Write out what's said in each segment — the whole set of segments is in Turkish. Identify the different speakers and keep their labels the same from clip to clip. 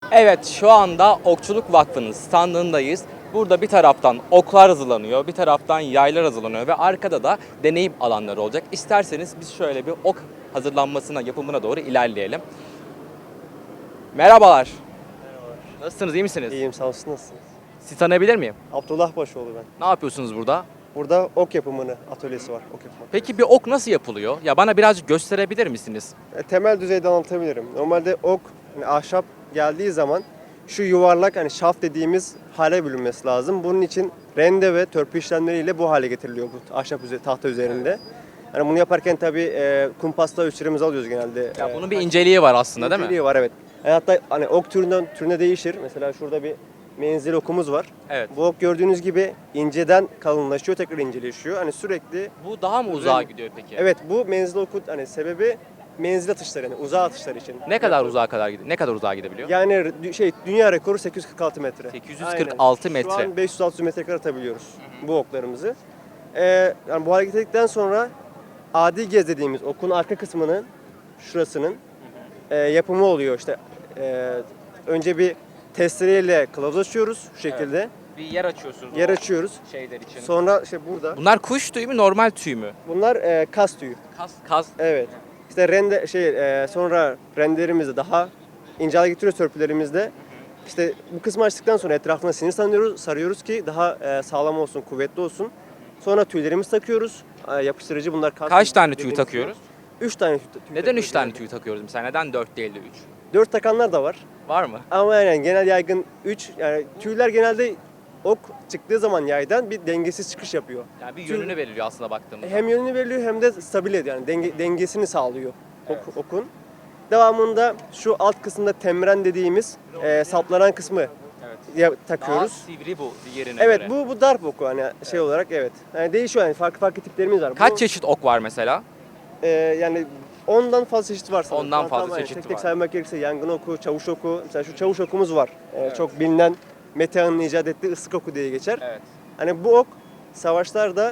Speaker 1: Evet, şu anda Okçuluk Vakfı'nın standındayız. Burada bir taraftan oklar hazırlanıyor, bir taraftan yaylar hazırlanıyor ve arkada da deneyim alanları olacak. İsterseniz biz şöyle bir ok hazırlanmasına, yapımına doğru ilerleyelim. Merhabalar. Nasılsınız, iyi misiniz?
Speaker 2: İyiyim, sağ olsun, nasılsınız?
Speaker 1: Sizi tanıyabilir miyim?
Speaker 2: Abdullah Başoğlu ben.
Speaker 1: Ne yapıyorsunuz burada?
Speaker 2: Burada ok yapımını atölyesi var, ok yapımı.
Speaker 1: Peki bir ok nasıl yapılıyor? Ya bana birazcık gösterebilir misiniz?
Speaker 2: Temel düzeyde anlatabilirim. Normalde ok, hani ahşap geldiği zaman şu yuvarlak hani şaft dediğimiz hale bölünmesi lazım. Bunun için rende ve törpü işlemleriyle bu hale getiriliyor bu ahşap tahta üzerinde. Yani bunu yaparken tabii kumpasla ölçülerimizi alıyoruz genelde.
Speaker 1: Ya bunun bir inceliği var aslında değil mi?
Speaker 2: İnceliği var, evet. Yani hatta hani ok türüne değişir. Mesela şurada bir menzil okumuz var.
Speaker 1: Evet.
Speaker 2: Bu ok gördüğünüz gibi inceden kalınlaşıyor, tekrar inceleşiyor. Hani sürekli.
Speaker 1: Bu daha mı uzağa gidiyor peki?
Speaker 2: Evet, bu menzil oku hani sebebi menzil atışları, yani uzağa atışlar için.
Speaker 1: Ne kadar uzağa kadar gidiyor? Ne kadar uzağa gidebiliyor?
Speaker 2: Yani dünya rekoru 846 metre.
Speaker 1: 846
Speaker 2: Aynen.
Speaker 1: metre.
Speaker 2: Şu an 500-600 metre kadar atabiliyoruz bu oklarımızı. Yani bu hale getirdikten sonra adi gez dediğimiz okun arka kısmının şurasının yapımı oluyor işte. Önce bir testereyle kılavuz açıyoruz şu şekilde.
Speaker 1: Bir yer açıyorsunuz.
Speaker 2: Yer açıyoruz.
Speaker 1: Şeyler için.
Speaker 2: Sonra işte burada.
Speaker 1: Bunlar kuş tüyü mü, normal tüy mü?
Speaker 2: Bunlar kas tüyü.
Speaker 1: Kas.
Speaker 2: Evet. İşte sonra rendelerimizi daha ince hale getiriyoruz törpülerimizde. İşte bu kısmı açtıktan sonra etrafına sinir sarıyoruz ki daha sağlam olsun, kuvvetli olsun. Sonra tüylerimizi takıyoruz. Yapıştırıcı bunlar kas.
Speaker 1: Kaç tüy takıyoruz?
Speaker 2: 3 tane tüy
Speaker 1: Neden
Speaker 2: takıyoruz
Speaker 1: 3 tane
Speaker 2: genelde.
Speaker 1: tüy takıyoruz mesela? Neden 4 değil de 3?
Speaker 2: 4 takanlar da var.
Speaker 1: Var mı?
Speaker 2: Ama yani genel yaygın 3. Yani tüyler genelde ok çıktığı zaman yaydan bir dengesiz çıkış yapıyor.
Speaker 1: Yani bir yönünü veriliyor aslında baktığımızda.
Speaker 2: Hem yönünü veriliyor hem de stabil ediyor. Yani dengesini sağlıyor okun. Devamında şu alt kısımda temren dediğimiz saplanan kısmı takıyoruz.
Speaker 1: Daha sivri bu diğerine
Speaker 2: Evet,
Speaker 1: göre.
Speaker 2: bu darp oku hani şey olarak, evet. Yani değişiyor, yani farklı tiplerimiz var.
Speaker 1: Kaç çeşit ok var mesela?
Speaker 2: Yani ondan fazla çeşit var sanırım.
Speaker 1: Ondan
Speaker 2: Şu an
Speaker 1: fazla
Speaker 2: tam hani
Speaker 1: çeşit
Speaker 2: tek
Speaker 1: var.
Speaker 2: saymak gerekirse yangın oku, çavuş oku. Mesela şu çavuş okumuz var. Çok bilinen Metehan'ın icat ettiği ıslık oku diye geçer.
Speaker 1: Evet.
Speaker 2: Hani bu ok savaşlarda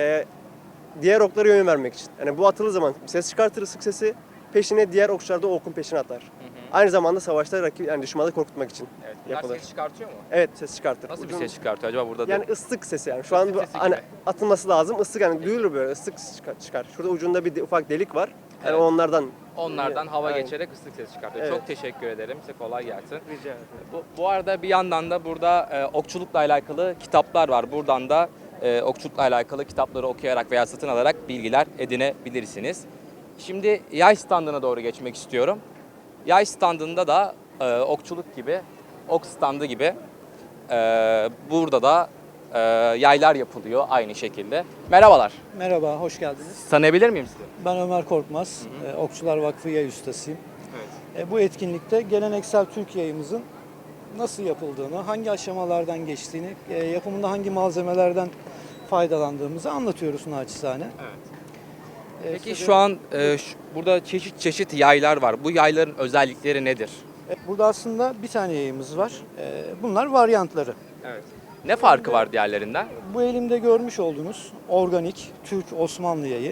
Speaker 2: diğer oklara yön vermek için. Yani bu atıldığı zaman ses çıkartır, ıslık sesi, peşine diğer okçular da o okun peşine atar. Aynı zamanda savaşta yani düşmanı korkutmak için
Speaker 1: Evet. Bunlar
Speaker 2: yapılır.
Speaker 1: ses çıkartıyor mu?
Speaker 2: Evet, ses çıkartır.
Speaker 1: Nasıl bir
Speaker 2: Uzun-
Speaker 1: ses çıkartıyor acaba burada?
Speaker 2: Yani ıslık sesi yani. Şu an bu
Speaker 1: sesi
Speaker 2: hani
Speaker 1: gibi.
Speaker 2: atılması lazım. Islık yani duyulur böyle, ıslık çıkar. Şurada ucunda bir ufak delik var. Yani
Speaker 1: Evet.
Speaker 2: onlardan
Speaker 1: hava
Speaker 2: Aynen.
Speaker 1: geçerek ıslık sesi çıkartıyor.
Speaker 2: Evet.
Speaker 1: Çok teşekkür ederim. Size kolay gelsin.
Speaker 2: Rica ederim.
Speaker 1: Bu arada bir yandan da burada okçulukla alakalı kitaplar var. Buradan da okçulukla alakalı kitapları okuyarak veya satın alarak bilgiler edinebilirsiniz. Şimdi yay standına doğru geçmek istiyorum. Yay standında da okçuluk gibi, ok standı gibi burada da yaylar yapılıyor aynı şekilde. Merhabalar.
Speaker 3: Merhaba, hoş geldiniz.
Speaker 1: Tanıyabilir miyim sizi?
Speaker 3: Ben Ömer Korkmaz, Okçular Vakfı Yay Ustasıyım.
Speaker 1: Evet.
Speaker 3: Bu etkinlikte geleneksel Türk yayımızın nasıl yapıldığını, hangi aşamalardan geçtiğini, yapımında hangi malzemelerden faydalandığımızı anlatıyoruz naçizane.
Speaker 1: Peki şu an burada çeşit çeşit yaylar var. Bu yayların özellikleri nedir?
Speaker 3: Burada aslında bir tane yayımız var. Bunlar varyantları.
Speaker 1: Evet. Ne farkı var diğerlerinden?
Speaker 3: Bu elimde görmüş olduğunuz organik Türk Osmanlı yayı.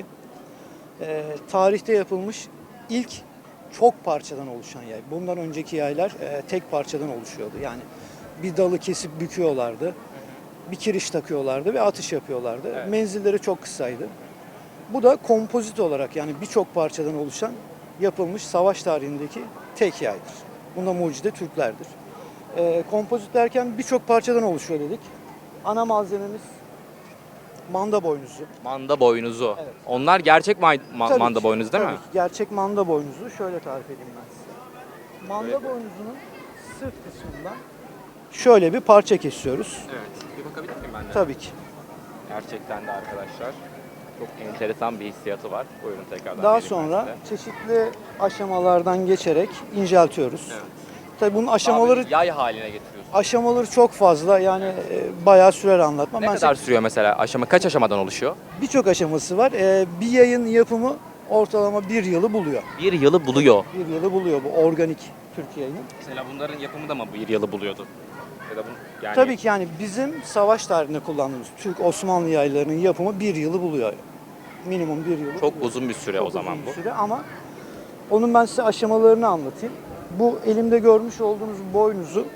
Speaker 3: Tarihte yapılmış ilk çok parçadan oluşan yay. Bundan önceki yaylar tek parçadan oluşuyordu. Yani bir dalı kesip büküyorlardı. Bir kiriş takıyorlardı ve atış yapıyorlardı.
Speaker 1: Evet.
Speaker 3: Menzilleri çok kısaydı. Bu da kompozit olarak, yani birçok parçadan oluşan, yapılmış savaş tarihindeki tek yaydır. Bunda mucide Türklerdir. Kompozit derken birçok parçadan oluşuyor dedik. Ana malzememiz manda boynuzu.
Speaker 1: Manda boynuzu.
Speaker 3: Evet.
Speaker 1: Onlar gerçek
Speaker 3: Tabii
Speaker 1: manda
Speaker 3: ki,
Speaker 1: boynuzu değil
Speaker 3: tabii
Speaker 1: mi?
Speaker 3: ki. Gerçek manda boynuzu. Şöyle tarif edeyim ben size. Manda boynuzunun sırt kısmından şöyle bir parça kesiyoruz.
Speaker 1: Evet. Bir bakabilir miyim ben de?
Speaker 3: Tabii ki.
Speaker 1: Gerçekten de arkadaşlar çok enteresan bir hissiyatı var. Buyurun tekrardan.
Speaker 3: Daha
Speaker 1: vereyim ben
Speaker 3: sonra
Speaker 1: size.
Speaker 3: çeşitli aşamalardan geçerek inceltiyoruz.
Speaker 1: Evet.
Speaker 3: Tabii bunun aşamaları
Speaker 1: Abi, yay haline getiriyorsun.
Speaker 3: aşamaları çok fazla, yani bayağı sürer anlatmam.
Speaker 1: Ne kadar sürüyor mesela aşama? Kaç aşamadan oluşuyor?
Speaker 3: Birçok aşaması var. Bir yayın yapımı ortalama bir yılı buluyor.
Speaker 1: Bir yılı buluyor.
Speaker 3: Bir yılı buluyor bu organik Türk yayını.
Speaker 1: Mesela bunların yapımı da mı bir yılı buluyordu? Ya da yani
Speaker 3: Tabii ki, yani bizim savaş tarihinde kullandığımız Türk Osmanlı yaylarının yapımı bir yılı buluyor. Minimum bir yılı
Speaker 1: çok
Speaker 3: buluyor.
Speaker 1: uzun bir süre
Speaker 3: Çok
Speaker 1: o zaman
Speaker 3: uzun bir
Speaker 1: bu.
Speaker 3: süre ama onun ben size aşamalarını anlatayım. Bu elimde görmüş olduğunuz boynuzu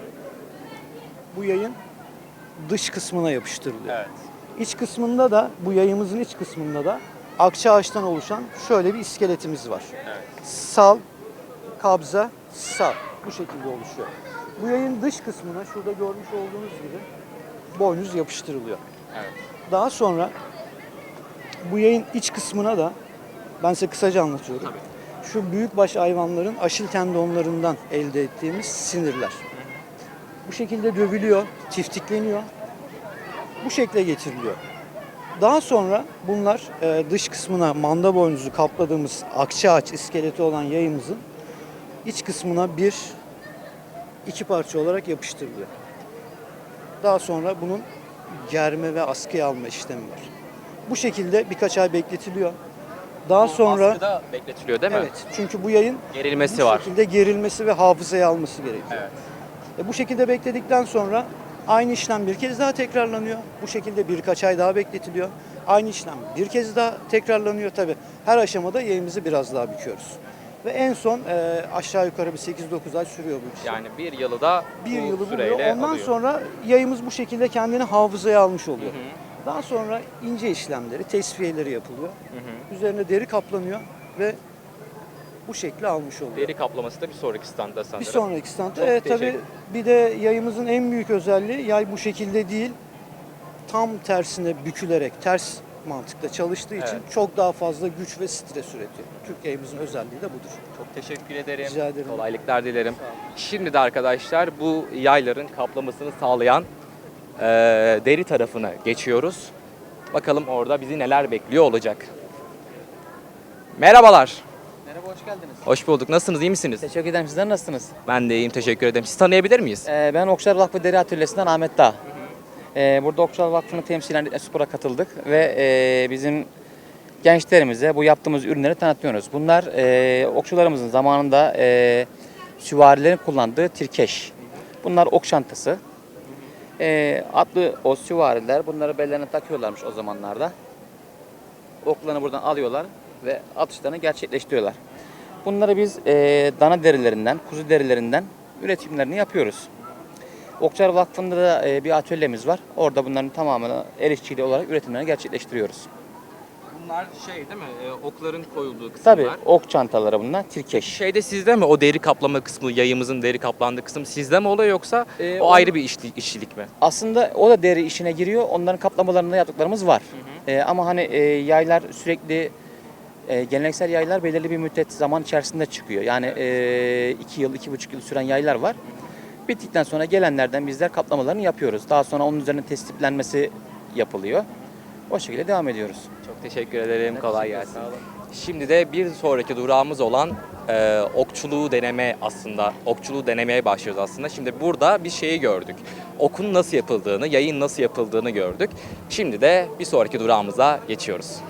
Speaker 3: bu yayın dış kısmına yapıştırılıyor.
Speaker 1: Evet.
Speaker 3: İç kısmında da, bu yayımızın iç kısmında da akça ağaçtan oluşan şöyle bir iskeletimiz var.
Speaker 1: Evet.
Speaker 3: Sal, kabza, sal. Bu şekilde oluşuyor. Bu yayın dış kısmına şurada görmüş olduğunuz gibi boynuz yapıştırılıyor.
Speaker 1: Evet.
Speaker 3: Daha sonra bu yayın iç kısmına da ben size kısaca anlatıyorum.
Speaker 1: Tabii.
Speaker 3: Şu büyükbaş hayvanların aşil tendonlarından elde ettiğimiz sinirler. Bu şekilde dövülüyor, tiftikleniyor. Bu şekle getiriliyor. Daha sonra bunlar dış kısmına manda boynuzu kapladığımız akça ağaç iskeleti olan yayımızın iç kısmına iki parça olarak yapıştırılıyor. Daha sonra bunun germe ve askıya alma işlemi var. Bu şekilde birkaç ay bekletiliyor. Daha sonra
Speaker 1: Askıda bekletiliyor değil mi?
Speaker 3: evet, çünkü bu yayın
Speaker 1: Gerilmesi
Speaker 3: bu
Speaker 1: var.
Speaker 3: şekilde gerilmesi ve hafızaya alması gerekiyor.
Speaker 1: Evet.
Speaker 3: Bu şekilde bekledikten sonra aynı işlem bir kez daha tekrarlanıyor. Bu şekilde birkaç ay daha bekletiliyor. Aynı işlem bir kez daha tekrarlanıyor tabi. Her aşamada yayımızı biraz daha büküyoruz. Ve en son aşağı yukarı bir 8-9 ay sürüyor bu iş.
Speaker 1: Yani bir yılı da
Speaker 3: Bir
Speaker 1: bu
Speaker 3: yılı
Speaker 1: süreyle
Speaker 3: buluyor. Ondan
Speaker 1: alıyor.
Speaker 3: sonra yayımız bu şekilde kendini hafızaya almış oluyor.
Speaker 1: Hı hı.
Speaker 3: Daha sonra ince işlemleri, tesviyeleri yapılıyor.
Speaker 1: Hı hı.
Speaker 3: Üzerine deri kaplanıyor ve bu şekli almış oluyor.
Speaker 1: Deri kaplaması da bir sonraki standta sanırım.
Speaker 3: Bir sonraki standta.
Speaker 1: Çok
Speaker 3: Evet tabii
Speaker 1: teşekkür-
Speaker 3: bir de yayımızın en büyük özelliği yay bu şekilde değil, tam tersine bükülerek ters mantıkta çalıştığı için
Speaker 1: Evet.
Speaker 3: çok daha fazla güç ve stres üretiyor. Türk yayımızın özelliği de budur.
Speaker 1: Çok teşekkür ederim.
Speaker 3: Rica ederim.
Speaker 1: Kolaylıklar dilerim.
Speaker 3: Sağ olun.
Speaker 1: Şimdi de arkadaşlar bu yayların kaplamasını sağlayan deri tarafına geçiyoruz. Bakalım orada bizi neler bekliyor olacak. Merhabalar.
Speaker 4: Merhaba, hoş geldiniz.
Speaker 1: Hoş bulduk. Nasılsınız? İyi misiniz?
Speaker 4: Teşekkür ederim. Sizler nasılsınız?
Speaker 1: Ben de iyiyim. Teşekkür ederim. Sizi tanıyabilir miyiz?
Speaker 4: Ben Okçular Vakfı Deri Atölyesi'nden Ahmet Dağ. Burada Okçular Vakfı'nı temsilen Spora katıldık ve bizim gençlerimize bu yaptığımız ürünleri tanıtıyoruz. Bunlar okçularımızın zamanında süvarilerin kullandığı tirkeş. Bunlar ok çantası. Atlı o süvariler bunları bellerine takıyorlarmış o zamanlarda. Oklarını buradan alıyorlar ve atışlarını gerçekleştiriyorlar. Bunları biz dana derilerinden, kuzu derilerinden üretimlerini yapıyoruz. Okçular Vakfı'nda da bir atölyemiz var. Orada bunların tamamını el işçiliği olarak üretimlerini gerçekleştiriyoruz.
Speaker 1: Bunlar şey değil mi? Okların koyulduğu kısımlar.
Speaker 4: Tabii ok çantaları bunlar, tirkeş.
Speaker 1: Şeyde sizde mi o deri kaplama kısmı, yayımızın deri kaplandığı kısım sizde mi oluyor yoksa o
Speaker 4: o-
Speaker 1: ayrı bir işçilik mi?
Speaker 4: Aslında o da deri işine giriyor. Onların kaplamalarında yaptıklarımız var. Ama hani yaylar sürekli geleneksel yaylar belirli bir müddet zaman içerisinde çıkıyor. Yani 2 yıl, 2,5 yıl süren yaylar var. Bittikten sonra gelenlerden bizler kaplamalarını yapıyoruz. Daha sonra onun üzerine tespitlenmesi yapılıyor. O şekilde devam ediyoruz.
Speaker 1: Çok teşekkür ederim.
Speaker 4: Ben
Speaker 1: Kolay
Speaker 4: teşekkür
Speaker 1: gelsin.
Speaker 4: ederim. Sağ olun.
Speaker 1: Şimdi de bir sonraki durağımız olan okçuluğu deneme aslında. Okçuluğu denemeye başlıyoruz aslında. Şimdi burada bir şeyi gördük. Okun nasıl yapıldığını, yayın nasıl yapıldığını gördük. Şimdi de bir sonraki durağımıza geçiyoruz.